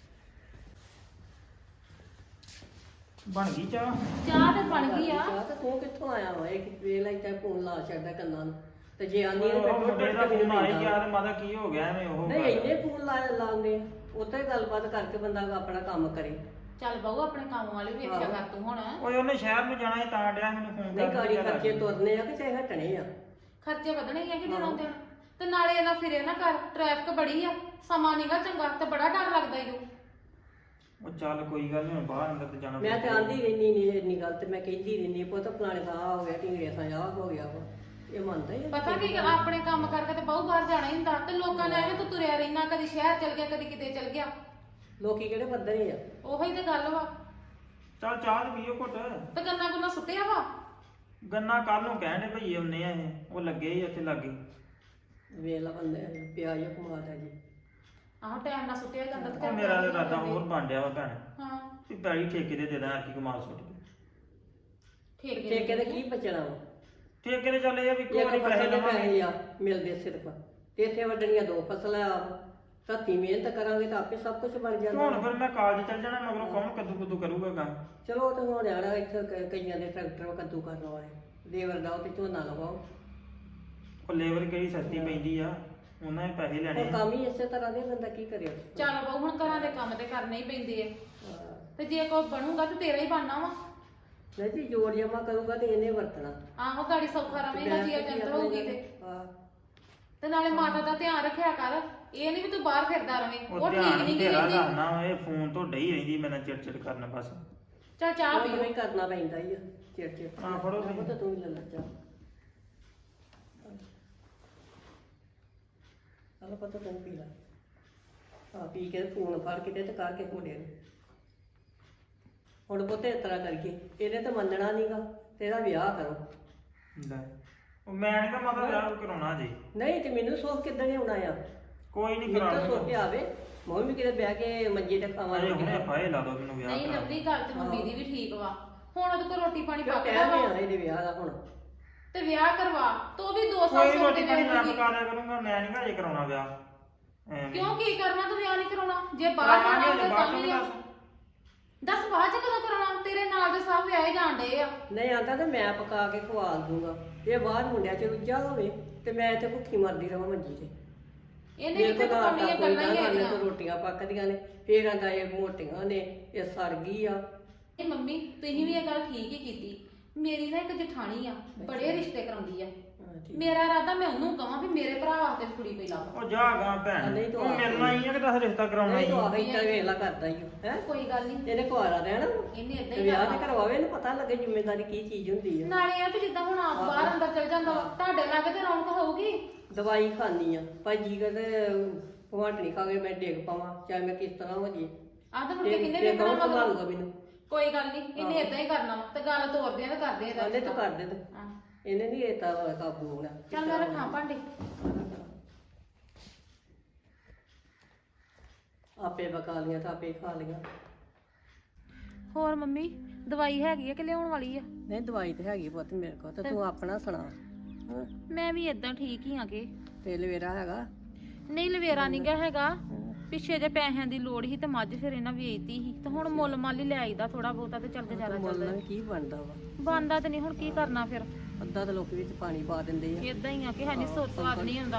Speaker 3: ਬਣ ਗਈ ਚਾਹ
Speaker 1: ਚਾਹ ਤੇ ਬਣ ਗਈ ਆ
Speaker 4: ਚਾਹ ਤਾਂ ਤੂੰ ਕਿੱਥੋਂ ਆਇਆ ਵਾ ਇਹ ਵੇਲਾ ਇੱਥੇ ਫੋਨ ਲਾ ਛੱਡਦਾ ਕੰਨਾਂ ਨੂੰ ਤੇ ਜੇ ਆਨੀ ਨੇ
Speaker 3: ਉਹ ਮੁੰਡੇ ਦਾ
Speaker 4: ਮੈਨੂੰ
Speaker 3: ਫੋਨ ਆਈ
Speaker 4: ਮਿਲਦਾ।
Speaker 3: ਯਾਰ ਮਾਦਾ ਕੀ ਹੋ ਗਿਆ ਐਵੇਂ ਉਹ
Speaker 4: ਨਹੀਂ ਇੰਨੇ ਫੋਨ ਲਾ ਲਾਉਂਦੇ ਉੱਥੇ ਗੱਲਬਾਤ ਕਰਕੇ ਬੰਦਾ ਆਪਣਾ ਕੰਮ ਕਰੇ
Speaker 1: ਚੱਲ ਬਾਊ ਆਪਣੇ ਕੰਮ ਵਾਲੇ ਵੇਖਿਆ ਕਰ ਤੂੰ ਹੁਣ
Speaker 3: ਓਏ ਉਹਨੇ ਸ਼ਹਿਰ ਨੂੰ ਜਾਣਾ ਸੀ ਤਾਂ ਡਿਆ ਮੈਨੂੰ ਫੋਨ
Speaker 4: ਨਹੀਂ
Speaker 3: ਕਰ
Speaker 4: ਗਾੜੀ ਖਰਚੇ ਤੁਰਨੇ ਆ ਕਿ ਚਾਹੇ ਹਟਣੇ ਆ
Speaker 1: ਖਰਚੇ ਵਧਣੇ ਹੀ ਆ ਕਿ ਦਿਨੋਂ ਦਿਨ ਤੇ ਨਾਲੇ ਇਹਨਾਂ ਫਿਰੇ ਨਾ ਕਰ ਟ੍ਰੈਫਿਕ ਬੜੀ ਆ ਸਮਾਂ ਨੀਗਾ ਚੰਗਾ ਤੇ ਬੜਾ ਡਰ ਲੱਗਦਾ ਈ ਓ
Speaker 3: ਉਹ ਚੱਲ ਕੋਈ ਗੱਲ ਨਹੀਂ ਬਾਹਰ ਅੰਦਰ ਤੇ ਜਾਣਾ
Speaker 4: ਮੈਂ ਤੇ ਆਂਦੀ ਰਹਿਨੀ ਨਹੀਂ ਇੰਨੀ ਗੱਲ ਤੇ ਮੈਂ ਕਹਿੰਦੀ ਰਹਿਨੀ ਪੁੱਤ ਫਲਾਣੇ ਦਾ ਆਹ ਹੋ ਗਿਆ ਢਿੰਗੜੇ ਦਾ ਆਹ ਹੋ ਗਿਆ ਵਾ ਇਹ ਮੰਨਦਾ ਹੀ ਆ।
Speaker 1: ਪਤਾ ਕੀ ਗੱਲ, ਆਪਣੇ ਕੰਮ ਕਰਕੇ ਤੇ ਬਾਹੂ ਬਾਹਰ ਜਾਣਾ ਹੀ ਹੁੰਦਾ ਤੇ ਲੋਕਾਂ ਨੇ ਐਵੇਂ ਤੂੰ ਤੁਰਿਆ ਰਹਿਣਾ ਕਦੀ ਸ਼ਹਿਰ ਚਲ ਗਿਆ ਕਦੀ ਕਿਤੇ ਚਲ ਗਿਆ
Speaker 4: ਲੋਕੀ ਕਿਹੜੇ ਪੱਧਰੇ ਆ
Speaker 1: ਉਹੀ ਤੇ ਗੱਲ ਵਾ
Speaker 3: ਚੱਲ ਚਾਹ ਤੇ ਪੀਓ ਘੁੱਟ
Speaker 1: ਤੇ ਗੰਨਾ ਗੁੰਨਾ ਸੁੱਟਿਆ ਵਾ
Speaker 3: ਗੰਨਾ ਕੱਲ ਨੂੰ ਕਹਿਣ ਦੇ ਭਈਏ ਹੁੰਨੇ ਆ ਇਹ ਉਹ ਲੱਗੇ ਹੀ ਉੱਥੇ ਲੱਗੇ
Speaker 4: ਵੇਲਾ ਬੰਦੇ ਪਿਆਜ ਕਮਾਤਾ ਜੀ
Speaker 1: ਆਹੋ ਟਾਈਮ ਨਾਲ ਸੁੱਟਿਆ ਜਾਂਦਾ ਤੇ
Speaker 3: ਉਹ
Speaker 1: ਘਰ
Speaker 3: ਮੇਰਾ
Speaker 1: ਪਾਣੀ
Speaker 3: ਇਰਾਦਾ
Speaker 1: ਜਾਂਦੇ।
Speaker 3: ਹੋਰ ਬਣ ਡਿਆ ਵਾ ਭੈਣ
Speaker 1: ਹਾਂ
Speaker 3: ਵੀ ਪੈਲੀ ਠੇਕੇ ਦੇ ਦੇ ਦਾਂ ਕੀ ਕਮਾਲ ਸੁੱਟ ਕੇ
Speaker 1: ਠੇਕੇ
Speaker 4: ਠੇਕੇ ਦੇ ਕੀ ਬਚਣਾ ਵਾ
Speaker 3: ਠੇਕੇ ਦੇ ਚੱਲ ਇਹ ਆ ਵੀ
Speaker 4: ਇੱਕ
Speaker 3: ਕੋਈ ਪੈਸੇ
Speaker 4: ਫਸਲ ਦੇ
Speaker 3: ਲਵਾਂਗੇ
Speaker 4: ਪੈਸੇ ਆ ਮਿਲਦੇ ਸਿਰਫ ਤੇ ਇੱਥੇ ਵੱਢਣੀਆਂ ਦੋ ਫਸਲਾਂ ਆ ਧੱਤੀ ਮਿਹਨਤ ਕਰਾਂਗੇ ਤਾਂ ਆਪੇ ਸਭ ਕੁਝ ਬਣ
Speaker 3: ਤੇ
Speaker 4: ਜਾਂਦਾ
Speaker 3: ਹੁਣ ਫਿਰ ਮੈਂ ਕਾਲਜ ਚੱਲ ਜਾਣਾ ਮਗਰੋਂ ਕੌਣ ਕੱਦੂ ਕੁੱਦੂ ਕਰੂਗਾ ਕੰਮ
Speaker 4: ਚਲੋ ਉਹ ਤਾਂ ਹੁਣ ਆੜਾ ਇੱਥੇ ਕ- ਕਈਆਂ ਦੇ ਟਰੈਕਟਰ ਕੱਦੂ ਕਰਨ ਵਾਲੇ ਦੇਵਰ ਦਾ ਤੇ ਝੋਨਾ ਲਵਾਓ
Speaker 3: ਉਹ ਲੇਬਰ ਕਿਹੜੀ ਸਸਤੀ ਪੈਂਦੀ ਆ ਉਹਨਾਂ ਨੇ ਪੈਸੇ ਲੈਣੇ
Speaker 4: ਉਹ ਕੰਮ ਹੀ ਇਸੇ ਤਰ੍ਹਾਂ ਦੇ ਬੰਦਾ ਕੀ ਕਰੇ
Speaker 1: ਚੱਲ ਬਹੁ ਹੁਣ ਘਰਾਂ ਦੇ ਕੰਮ ਤੇ ਕਰਨੇ ਹੀ ਪੈਂਦੇ ਆ
Speaker 4: ਹਾਂ।
Speaker 1: ਤੇ ਜੇ ਕੋਈ ਬਣੂਗਾ ਤੇ ਤੇਰਾ ਹੀ ਬਣਨਾ ਵਾ
Speaker 4: ਨਹੀਂ ਜੀ ਜੋੜ ਜਮਾ ਕਰੂਗਾ ਤੇ ਇਹਨੇ ਵਰਤਣਾ
Speaker 1: ਆਹੋ ਗਾੜੀ ਸੌਖਾ ਰਵੇਂਗਾ ਜੀ ਜੰਤਰ ਹੋਊਗੀ ਤੇ
Speaker 4: ਹਾਂ
Speaker 1: ਤੇ ਨਾਲੇ ਮਾਤਾ ਦਾ ਧਿਆਨ ਰੱਖਿਆ ਕਰ ਇਹ ਨਹੀਂ ਵੀ ਤੂੰ ਬਾਹਰ ਫਿਰਦਾ ਰਵੇਂ
Speaker 3: ਉਹ
Speaker 1: ਉਹ ਠੀਕ
Speaker 3: ਧਿਆਨ
Speaker 1: ਨਹੀਂ
Speaker 3: ਤੇਰਾ
Speaker 1: ਕਹਿੰਦੀ
Speaker 3: ਕਰਨਾ ਇਹ ਫੋਨ ਤੋਂ ਡਈ ਰਹਿੰਦੀ ਮੇਰੇ ਨਾਲ ਚਿੜ ਚਿੜ ਕਰਨ ਬਸ
Speaker 1: ਚੱਲ ਚਾਹ
Speaker 4: ਉਹ
Speaker 1: ਪੀ
Speaker 4: ਵੀ ਕਰਨਾ ਪੈਂਦਾ ਹੀ ਆ ਚਿੜ ਚਿੜ
Speaker 3: ਹਾਂ, ਫੜੋ
Speaker 4: ਆਹ
Speaker 3: ਤੁਸੀਂ।
Speaker 4: ਤਾਂ ਤੂੰ ਹੀ ਲੈ ਲੈ ਚਾਹ ਆਹ ਪਤਾ ਤੂੰ ਪੀ ਲੈ ਆ ਪੀ ਕੇ ਫੋਨ ਫੜ ਕੇ ਤੇ ਟਕਾ ਕੇ ਮੁੰਡੇ ਨੂੰ ਹੁਣ ਪੁੱਤੇ ਇਸ ਤਰ੍ਹਾਂ ਕਰਕੇ ਇਹਨੇ ਤਾਂ ਮੰਨਣਾ ਨਹੀਂਗਾ ਤੇਰਾ ਵਿਆਹ ਕਰੋ
Speaker 3: ਲੈ ਉਹ ਮੈਂ ਨਹੀਂ ਤਾਂ ਮਤਲਬ ਵਿਆਹ ਕਰਾਉਣਾ ਜੀ
Speaker 4: ਨਹੀਂ ਤੇ ਮੈਨੂੰ ਸੋਚ ਕਿੱਦਾਂ ਨਹੀਂ ਆਉਣਾ ਆ
Speaker 3: ਕੋਈ ਨਹੀਂ
Speaker 4: ਮੈਨੂੰ ਤਾਂ
Speaker 3: ਕਰਾਉਣਾ
Speaker 4: ਸੋਚ ਕੇ ਆਵੇ ਮੈਂ ਵੀ ਕਿਤੇ ਬਹਿ ਕੇ ਮੰਜੇ ਤੇ
Speaker 3: ਅਜੇ
Speaker 4: ਖਾਵਾਂਗੇ
Speaker 3: ਹੁਣੇ ਫਾਇਲ ਲਾ ਦੋ ਮੈਨੂੰ ਵਿਆਹ
Speaker 1: ਨਹੀਂ
Speaker 3: ਕਰਾ
Speaker 1: ਲਵਲੀ ਗੱਲ ਤੇ ਮੰਮੀ ਦੀ ਵੀ ਠੀਕ ਵਾ ਹੁਣ ਉਹਦੇ ਕੋਲ ਰੋਟੀ ਪਾਣੀ
Speaker 4: ਕਿਉਂ
Speaker 1: ਪੱਕਦਾ
Speaker 4: ਟਾਈਮ
Speaker 1: ਵਾ
Speaker 4: ਨਹੀਂ ਆਣਾ ਇਹਦੇ ਵਿਆਹ ਦਾ ਹੁਣ
Speaker 1: ਤੇ ਵਿਆਹ ਕਰਵਾ ਤੂੰ ਵੀ ਦੋ ਸਾਲ
Speaker 3: ਕੋਈ
Speaker 1: ਸੋਚ
Speaker 3: ਰੋਟੀ
Speaker 1: ਕੇ
Speaker 3: ਪਾਣੀ ਮੈਂ
Speaker 1: ਵੇਖੂਗੀ
Speaker 3: ਪਕਾ ਦਿਆ ਕਰੂੰਗਾ ਮੈਂ ਨਹੀਂ ਘਰੇ ਕਰਾਉਣਾ ਵਿਆਹ ਐਵੇਂ।
Speaker 1: ਕਿਉਂ ਕੀ ਕਰਨਾ ਤੂੰ ਵਿਆਹ ਨਹੀਂ ਕਰਾਉਣਾ ਜੇ ਬਾਹਰ
Speaker 3: ਕਰਾਵਾਂਗੇ
Speaker 1: ਜਾਣਾ
Speaker 3: ਜੇ
Speaker 1: ਤਾਂ
Speaker 3: ਬਾਅਦ
Speaker 1: ਤਾਂ
Speaker 3: ਚੋਂ
Speaker 1: ਵੀ ਆ।
Speaker 3: ਦੱਸ।
Speaker 1: ਦੱਸ ਬਾਅਦ ਚ ਕਦੋਂ ਕਰਾਉਣਾ ਤੇਰੇ ਨਾਲ ਦੇ ਸਭ ਵਿਆਹੇ ਜਾਂਦੇ ਆ
Speaker 4: ਨਹੀਂ ਆਂਦਾ ਤੇ ਮੈਂ ਪਕਾ ਕੇ ਖਵਾ ਦੂੰਗਾ ਇਹ ਬਾਹਰ ਮੁੰਡਿਆਂ ਚ ਰੁੱਝਾ ਹੋਵੇ ਤੇ ਮੈਂ ਇੱਥੇ ਭੁੱਖੀ ਮਰਦੀ ਰਵਾਂ ਮੰਜੀ ਤੇ
Speaker 1: ਇਹਨੇ
Speaker 4: ਮੇਰੇ
Speaker 1: ਕਿਤੇ
Speaker 4: ਕੋਲ ਤਾਂ
Speaker 1: ਪਕਾਉਣੀਆਂ
Speaker 4: ਕੋਈ
Speaker 1: ਗੱਲਾਂ ਹੀ
Speaker 4: ਨਾ
Speaker 1: ਹੈਗੀਆਂ
Speaker 4: ਤੋਂ ਰੋਟੀਆਂ ਪੱਕਦੀਆਂ ਨੇ ਫੇਰ ਆਂਦਾ ਇਹ ਮੋਟੀਆਂ ਨੇ ਇਹ ਸੜ ਗਈ ਆ
Speaker 1: ਇਹ ਮੰਮੀ ਤੁਸੀਂ ਵੀ ਇਹ ਗੱਲ ਠੀਕ ਹੀ ਕੀਤੀ ਮੇਰੀ ਨਾ ਇੱਕ ਜਠਾਣੀ ਆ ਬੜੇ ਰਿਸ਼ਤੇ ਕਰਾਉਂਦੀ ਆ
Speaker 4: ਹਾਂ, ਠੀਕ।
Speaker 1: ਮੇਰਾ ਇਰਾਦਾ ਮੈਂ ਉਹਨੂੰ ਕਹਾਂ ਵੀ ਮੇਰੇ ਭਰਾ ਵਾਸਤੇ ਵੀ ਕੁੜੀ ਪਈ ਲਾ
Speaker 3: ਉਹ ਜਾ ਗਾ ਭੈਣ
Speaker 4: ਨਹੀਂ ਤੂੰ
Speaker 3: ਤੂੰ
Speaker 4: ਆ
Speaker 3: ਮਿਲਣਾ ਹੀ ਆ ਕਿ ਦੱਸ ਰਿਸ਼ਤਾ ਕਰਾਉਣਾ
Speaker 4: ਨਹੀਂ
Speaker 3: ਹੀ
Speaker 4: ਤੂੰ
Speaker 3: ਆ?
Speaker 4: ਆਹ ਇੱਦਾਂ ਵੇਲਾ ਕਰਦਾ ਹੀ ਹੈ
Speaker 1: ਕੋਈ ਗੱਲ ਨਹੀਂ
Speaker 4: ਇਹਨੇ ਕੁਆਰਾ ਰਹਿਣਾ
Speaker 1: ਇਹਨੇ ਏਦਾਂ
Speaker 4: ਤੇ
Speaker 1: ਹੀ
Speaker 4: ਵਿਆਹ ਤੇ
Speaker 1: ਕਰਨਾ
Speaker 4: ਕਰਵਾਵੇ ਇਹਨੂੰ ਪਤਾ ਲੱਗੇ ਜ਼ਿੰਮੇਵਾਰੀ ਕੀ ਚੀਜ਼ ਹੁੰਦੀ ਹੈ
Speaker 1: ਨਾਲੇ ਆ ਵੀ ਜਿੱਦਾਂ ਹੁਣ ਆਪ ਬਾਹਰ ਅੰਦਰ ਚਲ ਜਾਂਦਾ ਵਾ ਤੁਹਾਡੇ ਲਾਗੇ ਤੇ ਰੌਣਕ ਹੋਊਗੀ
Speaker 4: ਦਵਾਈ ਖਾਣੀ ਆ ਭਾਈ ਜੀ ਕਹਿੰਦੇ ਭਵਾਟਣੀ ਖਾ ਕੇ ਮੈਂ ਡੇਗ ਪਾਵਾਂ ਚਾਹੇ ਮੈਂ ਕਿਸ ਤਰ੍ਹਾਂ ਹੋ ਜੇ
Speaker 1: ਆਹ ਤਾਂ ਮੁੜ ਕੇ
Speaker 4: ਇਹ
Speaker 1: ਕਿੰਨੇ
Speaker 4: ਇਹ
Speaker 1: ਵੇਖਣਾ
Speaker 4: ਕੌਣ
Speaker 1: ਮਗਰ
Speaker 4: ਸੰਭਾਲੂਗਾ ਮੈਨੂੰ
Speaker 1: ਕੋਈ ਗੱਲ ਨਹੀਂ ਇਹਨੇ ਏਦਾਂ ਹੀ ਕਰਨਾ ਵਾ ਤੇ ਗੱਲ ਤੋਰਦੇ ਆ ਤੇ ਕਰਦੇ ਆ
Speaker 4: ਉਹਨੇ ਤਾਂ ਕਰ ਦੇ ਤੂੰ
Speaker 1: ਹਾਂ।
Speaker 4: ਇਹਨੇ ਨਹੀਂ ਇਹ ਤਾਂ ਕਾਬੂ ਹੋਣਾ
Speaker 1: ਚੱਲ ਮੈਂ ਰੱਖਾਂ ਭਾਂਡੇ
Speaker 4: ਆਪੇ ਪਕਾ ਲੀਆਂ ਤਾਂ ਆਪੇ ਖਾ ਲੀਆਂ
Speaker 1: ਹੋਰ ਮੰਮੀ ਦਵਾਈ ਹੈਗੀ ਆ ਕਿ ਲਿਆਉਣ ਵਾਲੀ ਆ
Speaker 4: ਨਹੀਂ ਦਵਾਈ ਤੇ ਹੈਗੀ ਪੁੱਤ ਮੇਰੇ ਕੋਲ ਤੇ ਤੂੰ ਆਪਣਾ ਸੁਣਾ ਹਾਂ
Speaker 1: ਮੈਂ ਵੀ ਏਦਾਂ ਠੀਕ ਹੀ ਆਗੇ
Speaker 4: ਤੇ ਲਵੇਰਾ ਹੈਗਾ
Speaker 1: ਨਹੀਂ ਲਵੇਰਾ ਨਹੀਂ ਗਾ ਹੈਗਾ ਪਿੱਛੇ ਜੇ ਪੈਸਿਆਂ ਦੀ ਲੋੜ ਸੀ ਤੇ ਮੱਝ ਫਿਰ ਇਹਨਾਂ ਵੇਚਤੀ ਸੀ ਤੇ ਹੁਣ ਮੁੱਲ ਮਾਲ ਹੀ ਲੈ ਆਈਦਾ ਥੋੜਾ ਬਹੁਤਾ ਤੇ ਚੱਲ ਗੁਜ਼ਾਰਾ
Speaker 4: ਮੁੱਲ
Speaker 1: ਚੱਲਦਾ
Speaker 4: ਨਾਲ ਕੀ ਬਣਦਾ ਵਾ
Speaker 1: ਬੰਦਾ ਤੇ ਨਹੀਂ ਹੁਣ ਕੀ ਕਰਨਾ ਫਿਰ
Speaker 4: ਅੱਧਾ ਤਾਂ ਲੋਕ ਵਿੱਚ ਪਾਣੀ ਪਾ ਦਿੰਦੇ ਆ
Speaker 1: ਏਦਾਂ ਹੀ ਆ ਕਿ ਹੈ ਨਹੀਂ ਸੋਚ ਸਵਾਦ ਨਹੀਂ ਹੁੰਦਾ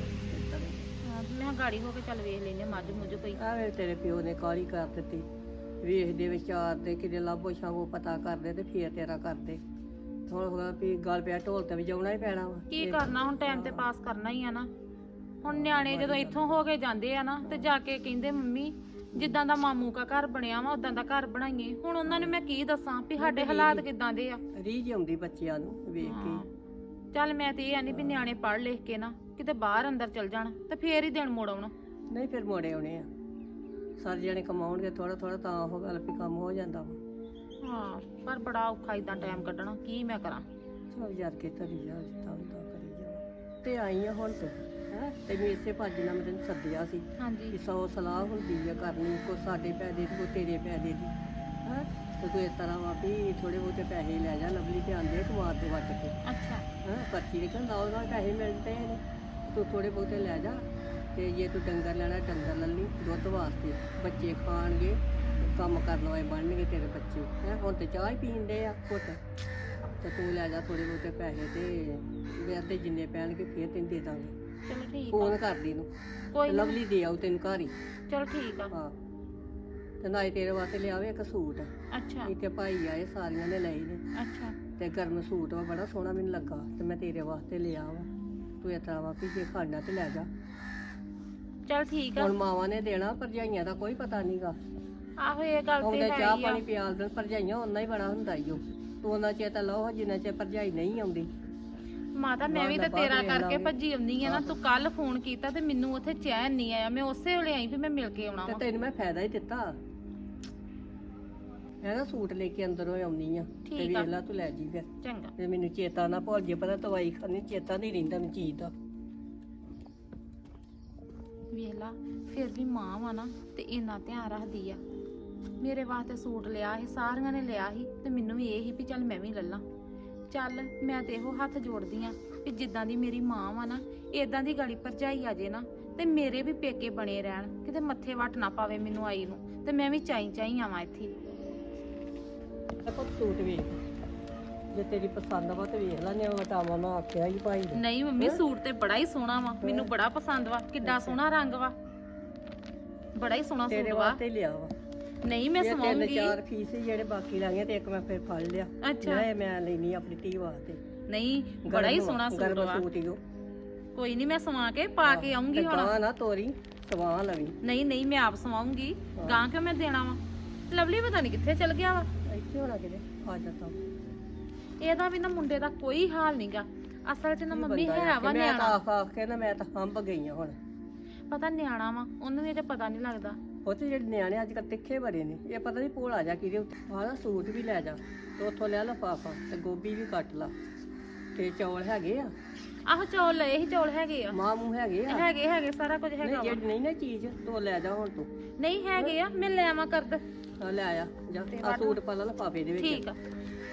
Speaker 1: ਹਾਂ ਤੇ ਮੈਂ ਕਿਹਾ ਗਾੜੀ ਹੋ ਕੇ ਚੱਲ ਵੇਖ ਲੈਨੇ ਮੱਝ ਮੁੱਝ ਕੋਈ
Speaker 4: ਆਵੇ ਤੇਰੇ ਪਿਓ ਨੇ ਕਾਲੀ ਕਰ ਦਿੱਤੀ ਵੇਖਦੇ ਵਿਚਾਰ ਦੇ ਕਿਤੇ ਲਾਭੋ ਛਾਵੋ ਪਤਾ ਕਰਦੇ ਤੇ ਫੇਰ ਤੇਰਾ ਕਰਦੇ ਥੋੜਾ ਥੋੜਾ ਵੀ ਗੱਲ ਪਿਆ ਢੋਲ ਤੇ ਵਜਾਉਣਾ ਹੀ ਪੈਣਾ ਵਾ
Speaker 1: ਕੀ ਕਰਨਾ ਹੁਣ ਟਾਈਮ ਤੇ ਪਾਸ ਕਰਨਾ ਹੀ ਆ ਨਾ ਹੁਣ ਨਿਆਣੇ ਜਦੋਂ ਇੱਥੋਂ ਹੋ ਕੇ ਜਾਂਦੇ ਆ ਨਾ ਤੇ ਜਾ ਕੇ ਕਹਿੰਦੇ ਮੰਮੀ ਜਿੱਦਾਂ ਦਾ ਮਾਮੂ ਕਾ ਘਰ ਬਣਿਆ ਵਾ ਉਦਾਂ ਦਾ ਘਰ ਬਣਾਈਏ ਹੁਣ ਉਹਨਾਂ ਨੂੰ ਮੈਂ ਕੀ ਦੱਸਾਂ ਵੀ ਸਾਡੇ ਹਾਲਾਤ ਕਿਦਾਂ ਦੇ ਆ
Speaker 4: ਰੀਝ ਆਉਂਦੀ ਬੱਚਿਆਂ ਨੂੰ ਵੇਖ ਕੇ
Speaker 1: ਚੱਲ ਮੈਂ ਤੇ ਇਹ ਆਨੀ ਵੀ ਨਿਆਣੇ ਪੜ੍ਹ ਲਿਖ ਕੇ ਨਾ ਕਿਤੇ ਬਾਹਰ ਅੰਦਰ ਚਲ ਜਾਣ ਤੇ ਫੇਰ ਹੀ ਦਿਨ ਮੋੜ ਆਉਣਾ
Speaker 4: ਨਹੀਂ ਫਿਰ ਮੋੜੇ ਆਉਣੇ ਆ ਸਾਰੇ ਜਣੇ ਕਮਾਉਣਗੇ ਥੋੜਾ ਥੋੜਾ ਤਾਂ ਉਹ ਗੱਲ ਵੀ ਕੰਮ ਹੋ ਜਾਂਦਾ ਵਾ
Speaker 1: ਹਾਂ ਪਰ ਬੜਾ ਔਖਾ ਇਦਾਂ ਟਾਈਮ ਕੱਢਣਾ ਕੀ ਮੈਂ ਕਰਾਂ
Speaker 4: ਚਲ ਯਾਰ ਕੇ ਧਰੀ ਜਾ ਜਿੱਦਾਂ ਹੁੰਦਾ ਕਰੀ ਜਾ ਤੇ ਆਈ ਆ ਹੁਣ ਤੂੰ ਹੈ ਤੈਨੂੰ ਇਸੇ ਭੱਜ ਨਾਲ ਮੈਂ ਤੈਨੂੰ ਸੱਦਿਆ ਸੀ
Speaker 1: ਹਾਂਜੀ
Speaker 4: ਕਿ ਸੌ ਸਲਾਹ ਹੁੰਦੀ ਆ ਕਰਨੀ ਕੋ ਸਾਡੇ ਪੈਸੇ ਦੀ ਕੋ ਤੇਰੇ ਪੈਸੇ ਦੀ ਹੈ ਤੇ ਤੂੰ ਇਸ ਤਰ੍ਹਾਂ ਵਾ ਵੀ ਥੋੜੇ ਬਹੁਤੇ ਪੈਸੇ ਲੈ ਜਾ ਲਵਲੀ ਤੇ ਆਂਦੇ ਕਮਾਰ ਦੇ ਵੱਟ ਕੇ
Speaker 1: ਅੱਛਾ
Speaker 4: ਹਾਂ ਪਰਚੀ ਦੇ ਕਹਿੰਦਾ ਉਹਦਾ ਪੈਸੇ ਮਿਲਦੇ ਨੇ ਤੂੰ ਥੋੜੇ ਬਹੁਤੇ ਲੈ ਜਾ ਤੇ ਜੇ ਤੂੰ ਡੰਗਰ ਲੈਣਾ ਡੰਗਰ ਲੈ ਲਈ ਦੁੱਧ ਵਾਸਤੇ ਬੱਚੇ ਖਾਣਗੇ ਕੰਮ ਕਰਨ ਵਾਲੇ ਬਣਨਗੇ ਤੇਰੇ ਬੱਚੇ ਹੈ ਹੁਣ ਤੇ ਚਾਹ ਹੀ ਪੀਣ ਦੇ ਆ ਘੁੱਟ ਤੇ ਤੂੰ ਲੈ ਜਾ ਥੋੜੇ ਬਹੁਤੇ ਪੈਸੇ ਤੇ ਵਿਆਹ ਤੇ ਜਿੰਨੇ ਪੈਣਗੇ ਫੇਰ ਤੈਨੂੰ ਦੇ ਦਾਂਗੇ
Speaker 1: ਚਲੋ ਠੀਕ
Speaker 4: ਫੋਨ
Speaker 1: ਆ
Speaker 4: ਕਰਦੀ ਨੂੰ
Speaker 1: ਕੋਈ ਨੀ।
Speaker 4: ਲਵਲੀ ਦੇ ਆਉ ਤੈਨੂੰ ਘਰ ਹੀ
Speaker 1: ਚਲੋ ਠੀਕ ਆ
Speaker 4: ਹਾਂ ਤੇ ਨਾਲੇ ਤੇਰੇ ਵਾਸਤੇ ਲਿਆਵੇ ਇੱਕ ਸੂਟ
Speaker 1: ਅੱਛਾ
Speaker 4: ਇੱਥੇ ਭਾਈ ਆਏ ਸਾਰੀਆਂ ਨੇ ਲਏ ਨੇ
Speaker 1: ਅੱਛਾ
Speaker 4: ਤੇ ਗਰਮ ਸੂਟ ਵਾ ਬੜਾ ਸੋਹਣਾ ਮੈਨੂੰ ਲੱਗਾ ਤੇ ਮੈਂ ਤੇਰੇ ਵਾਸਤੇ ਲਿਆ ਵਾ ਤੂੰ ਇਸ ਤਰ੍ਹਾਂ ਵਾ ਵੀ ਜੇ ਖਾਣਾ ਤੇ ਲੈ ਜਾ
Speaker 1: ਚਲ ਠੀਕ ਆ
Speaker 4: ਹੁਣ ਮਾਵਾਂ ਨੇ ਦੇਣਾ ਭਰਜਾਈਆਂ ਦਾ ਕੋਈ ਪਤਾ ਨਹੀਂਗਾ
Speaker 1: ਆਹੋ ਇਹ ਗੱਲ ਤੇ
Speaker 4: ਉਹਦੇ
Speaker 1: ਹੈ
Speaker 4: ਚਾਹ
Speaker 1: ਹੀ ਆ
Speaker 4: ਪਾਣੀ ਪਿਆਲ ਦੇਣ ਭਰਜਾਈਆਂ ਉਹਨਾਂ ਹੀ ਬੜਾ ਹੁੰਦਾ ਈ ਓ ਤੂੰ ਉਹਨਾਂ ਚਿਰ ਤਾਂ ਲਓ ਜਿੰਨਾ ਚਿਰ ਭਰਜਾਈ ਨਹੀਂ ਆਉਂਦੀ
Speaker 1: ਮਾਤਾ ਮੈਂ ਵੀ ਤੇ
Speaker 4: ਬਾਅਦ
Speaker 1: ਤੇਰਾ
Speaker 4: ਵੇਖ
Speaker 1: ਕਰਕੇ
Speaker 4: ਲਾਂਗੇ।
Speaker 1: ਭੱਜੀ ਆਉਂਦੀ ਆ ਨਾ ਤੂੰ ਕੱਲ ਫੋਨ ਕੀਤਾ ਤੇ ਮੈਨੂੰ ਉੱਥੇ ਚੈਨ ਨਹੀਂ ਆਇਆ ਮੈਂ ਉਸੇ ਵੇਲੇ ਆਈ ਵੀ ਮੈਂ ਮਿਲ ਕੇ ਆਉਣਾ
Speaker 4: ਤੇ
Speaker 1: ਵਾ
Speaker 4: ਤੈਨੂੰ ਮੈਂ ਫਾਇਦਾ ਹੀ ਦਿੱਤਾ ਹੈ ਨਾ ਸੂਟ ਲੈ ਕੇ ਅੰਦਰੋਂ ਆਉਣੀ ਆ ਤੇ
Speaker 1: ਠੀਕ ਆ।
Speaker 4: ਵੇਖ ਲੈ ਤੂੰ ਲੈ ਜੀ ਫਿਰ
Speaker 1: ਚੰਗਾ
Speaker 4: ਤੇ ਮੈਨੂੰ ਚੇਤਾ ਨਾ ਭੁੱਲ ਜੇ ਪਤਾ ਦਵਾਈ ਖਾਣੀ ਚੇਤਾ ਨਹੀਂ ਰਹਿੰਦਾ ਮੈਨੂੰ ਚੀਜ਼ ਦਾ
Speaker 1: ਵੇਖ ਲਾ ਫਿਰ ਵੀ ਮਾਂ ਵਾ ਨਾ ਤੇ ਇੰਨਾ ਧਿਆਨ ਰੱਖਦੀ ਆ। ਮੇਰੇ ਵਾਸਤੇ ਸੂਟ ਲਿਆ ਸੀ, ਸਾਰੀਆਂ ਨੇ ਲਿਆ ਸੀ ਤੇ ਮੈਨੂੰ ਵੀ ਇਹ ਸੀ ਵੀ ਚੱਲ ਮੈਂ ਵੀ ਲੱਲਾਂ। ਚੱਲ ਮੈਂ ਤੇ ਇਹੋ ਹੱਥ ਜੋੜਦੀ ਆ ਕਿ ਜਿੱਦਾਂ ਦੀ ਮੇਰੀ ਮਾਂ ਵਾ ਨਾ ਇਦਾਂ ਦੀ ਗਾੜੀ ਭਰਜਾਈ ਆ ਜੇ ਨਾ ਤੇ ਮੇਰੇ ਵੀ ਪੇਕੇ ਬਣੇ ਰਹਿਣ, ਕਿਤੇ ਮੱਥੇ ਵੱਟ ਨਾ ਪਾਵੇ ਮੈਨੂੰ ਆਈ ਨੂੰ, ਤੇ ਮੈਂ ਵੀ ਚਾਈ ਚਾਈ ਆਵਾਂ ਇੱਥੇ।
Speaker 4: ਦੇਖੋ ਸੂਟ ਵੇਖ, ਜੇ ਤੇਰੀ ਪਸੰਦ ਵਾ ਤੇ ਵੇਖ ਲੈਣੇ ਉਹ ਟਾਵਾ ਮੈਂ ਆਖਿਆ ਹੀ ਭਾਈ ਨੇ।
Speaker 1: ਨਹੀਂ ਮੰਮੀ ਸੂਟ ਤੇ ਬੜਾ ਹੀ ਸੋਹਣਾ ਵਾ, ਮੈਨੂੰ ਬੜਾ ਪਸੰਦ ਵਾ, ਕਿੱਡਾ ਸੋਹਣਾ ਰੰਗ ਵਾ, ਬੜਾ ਹੀ ਸੋਹਣਾ
Speaker 4: ਤੇਰੇ
Speaker 1: ਸੂਟ ਵਾ।
Speaker 4: ਵਾਸਤੇ ਹੀ ਲਿਆ ਵਾ।
Speaker 1: ਨਹੀਂ ਮੈਂ
Speaker 4: ਇਹ ਤਿੰਨ
Speaker 1: ਸਵਾਉਂਗੀ।
Speaker 4: ਚਾਰ ਪੀਸ ਸੀ ਜਿਹੜੇ ਬਾਕੀ ਲਾਈਆਂ ਤੇ ਇੱਕ ਮੈਂ ਫਿਰ ਫੜ ਲਿਆ।
Speaker 1: ਅੱਛਾ
Speaker 4: ਇਹ ਮੈਂ ਲੈਣੀ ਆਪਣੀ ਧੀ ਵਾਸਤੇ।
Speaker 1: ਨਹੀਂ ਬੜਾ ਹੀ
Speaker 4: ਗਰਮ
Speaker 1: ਸੋਹਣਾ ਸੂਟ
Speaker 4: ਗਰਮ
Speaker 1: ਵਾ।
Speaker 4: ਸੂਟ ਹੀ ਉਹ
Speaker 1: ਕੋਈ ਨਹੀਂ ਮੈਂ ਸਵਾ ਕੇ ਪਾ ਕੇ ਆਉਂਗੀ ਹੁਣ।
Speaker 4: ਗਾਂ ਨਾ ਤੋਰੀ ਸਵਾ ਲਵੀ।
Speaker 1: ਨਹੀਂ ਨਹੀਂ ਮੈਂ ਆਪ ਸਵਾਉਂਗੀ, ਗਾਂ ਕਿਉਂ ਮੈਂ ਦੇਣਾ ਵਾ। ਲਵਲੀ ਪਤਾ ਨਹੀਂ ਕਿੱਥੇ ਚਲ ਗਿਆ ਵਾ।
Speaker 4: ਇੱਥੇ ਹੋਣਾ ਕਿਤੇ ਆ ਜਾਂਦਾ।
Speaker 1: ਇਹਦਾ ਵੀ ਨਾ ਮੁੰਡੇ ਦਾ ਕੋਈ ਹਾਲ ਨਹੀਂਗਾ। ਅਸਲ 'ਚ ਨਾ ਮੰਮੀ
Speaker 4: ਬੰਦਾ
Speaker 1: ਹੈ ਵਾ
Speaker 4: ਮੈਂ ਤਾਂ
Speaker 1: ਨਿਆਣਾ,
Speaker 4: ਆਖ ਆਖ ਕੇ ਨਾ ਮੈਂ ਤਾਂ ਹੰਬ ਗਈ ਆ ਹੁਣ।
Speaker 1: ਪਤਾ ਨਿਆਣਾ ਵਾ, ਉਹਨੂੰ ਵੀ ਅਜੇ ਪਤਾ ਨਹੀਂ ਲੱਗਦਾ।
Speaker 4: ਉਹ ਤੇ ਜਿਹੜੇ ਨਿਆਣੇ ਅੱਜ ਕੱਲ੍ਹ ਤਿੱਖੇ ਬੜੇ ਨੇ, ਇਹ ਪਤਾ ਨਹੀਂ ਭੋਲਾ ਜਾ ਕਿਹਦੇ ਉੱਤੇ। ਆਹ ਨਾ ਸੂਟ ਵੀ ਲੈ ਜਾ ਤੇ ਉੱਥੋਂ ਲੈ ਲਫਾਫਾ ਤੇ ਗੋਭੀ ਵੀ ਕੱਟ ਲਾ ਤੇ ਚੌਲ ਹੈਗੇ ਆ।
Speaker 1: ਆਹੋ ਚੌਲ ਲਏ ਸੀ, ਚੌਲ ਹੈਗੇ ਆ।
Speaker 4: ਮਾਂ ਮੂੰਹ ਹੈਗੇ ਆ।
Speaker 1: ਹੈਗੇ ਹੈਗੇ ਸਾਰਾ ਕੁਝ ਹੈਗਾ
Speaker 4: ਨਹੀਂ
Speaker 1: ਵਾ।
Speaker 4: ਜਿਹੜੀ ਨਹੀਂ ਨਾ ਚੀਜ਼ ਤੋ ਲੈ ਜਾ ਹੁਣ ਤੂੰ।
Speaker 1: ਨਹੀਂ ਹੈਗੇ ਆ, ਮੈਂ ਲੈ ਆਵਾਂ ਕਰਦ।
Speaker 4: ਆ ਲੈ ਆ ਜਾ ਆ ਸੂਟ ਪਾ ਲਾ ਲਫਾਫੇ ਦੇ ਵਿੱਚ।
Speaker 1: ਠੀਕ ਆ।